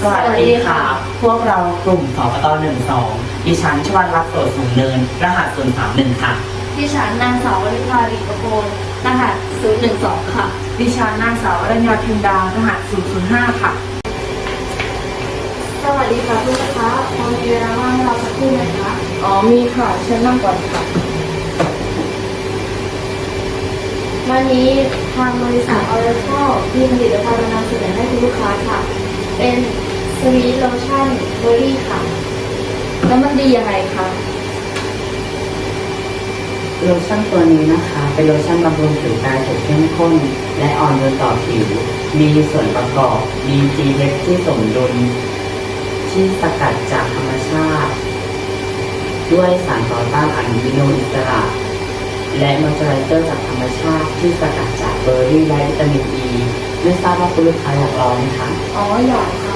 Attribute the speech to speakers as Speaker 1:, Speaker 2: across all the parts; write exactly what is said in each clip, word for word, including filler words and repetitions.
Speaker 1: วัสดีค่ะ พวกเรากลุ่มสปตหนึ่งสองดิฉันชวันรักโสดสูงเนินรหัสศูนย์สามหนึ่งค่ะ
Speaker 2: ดิฉันนางสาววริภาลีประโคนรหัสศูนย์หนึ่งสองค่ะ
Speaker 3: ดิฉันนางสาวอรัญญาพิมดารหัสศูนย์ศูนย์ห้าค่ะ
Speaker 2: สวัสดีค่ะทุกลูกค้าพอมีเวลาว่างให้เราสักครู่ไหมคะ
Speaker 3: อ๋อมีค่ะเชิญนั่งก่อนค่ะ
Speaker 2: วันนี้ทางบริษัทออเรโคมีผลิตภัณฑ์มานำเสนอให้คุณลูกค้าค่ะ เป็นสวีทโลชั่นเบอร์รี่ค่ะแล้วมันดียังไงคะ
Speaker 1: โลชั่นตัวนี้นะคะเป็นโลชั่นบำรุงผิวกายสูตรเข้มข้นและอ่อนโยนต่อผิวมีส่วนประกอบ มี pH ที่สมดุลที่สกัดจากธรรมชาติด้วยสารต่อต้านอนุมูลอิสระและมอยเจอไรเซอร์จากธรรมชาติที่สกัดจากเบอร์รี่และวิตามินอีไม่ทราบว่าคุณลูกค้าอยากลองไหมคะ
Speaker 2: อ๋ออยากค่ะ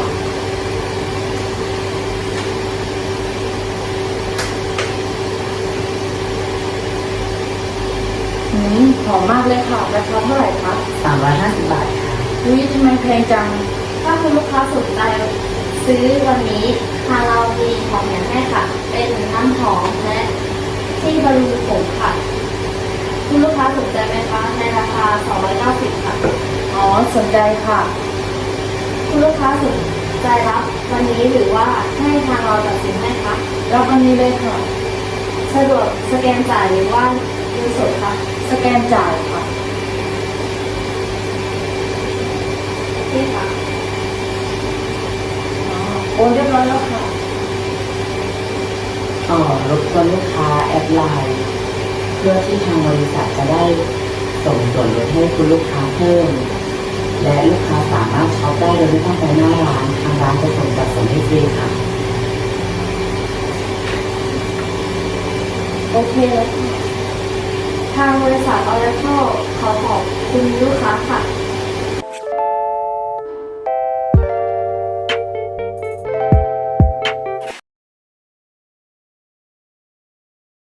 Speaker 3: อืมหอมมากเลยค่ะราคาเท่าไหร่คะ
Speaker 1: สามร้อยห้าสิบบาทค่ะ
Speaker 3: อุ้ยทำไมแพงจัง
Speaker 2: ถ้าคุณลูกค้าสนใจซื้อวันนี้ทางเรามีของแถมให้ค่ะ เป็นน้ำหอมและที่บำรุงผมค่ะคุณลูกค้าสนใจไหมคะในราคาสองร้อยเก้าสิบค่ะ
Speaker 3: อ๋อสนใจค่ะ
Speaker 2: คุณลูกค้าสนใจรับวันนี้หรือว่าให้ทางเราตัดสินให้คะ
Speaker 3: รับวันนี้เลยค่ะ
Speaker 2: สะดวกสแกนจ่ายหรือว่าเงินสดคะ
Speaker 3: สแกนจ่ายค่ะ
Speaker 2: นี่ค่ะ
Speaker 3: อ๋อโอนเรียบร้อยแล้วค่ะ
Speaker 1: อ๋อรบกวนลูกค้าแอดไลน์เพื่อที่ทางบริษัทจะได้ส่งส่วนลดให้คุณลูกค้าเพิ่มและลูกค้าสามารถช็อปได้โดยไม่ต้องไปหน้าร้านทางร้านจะส่งจัดส่งให้ฟรีค่ะ
Speaker 2: โอเคแล้วค่ะทางบริษัทออร์เรโคขอขอบคุณลูกค้าค่ะ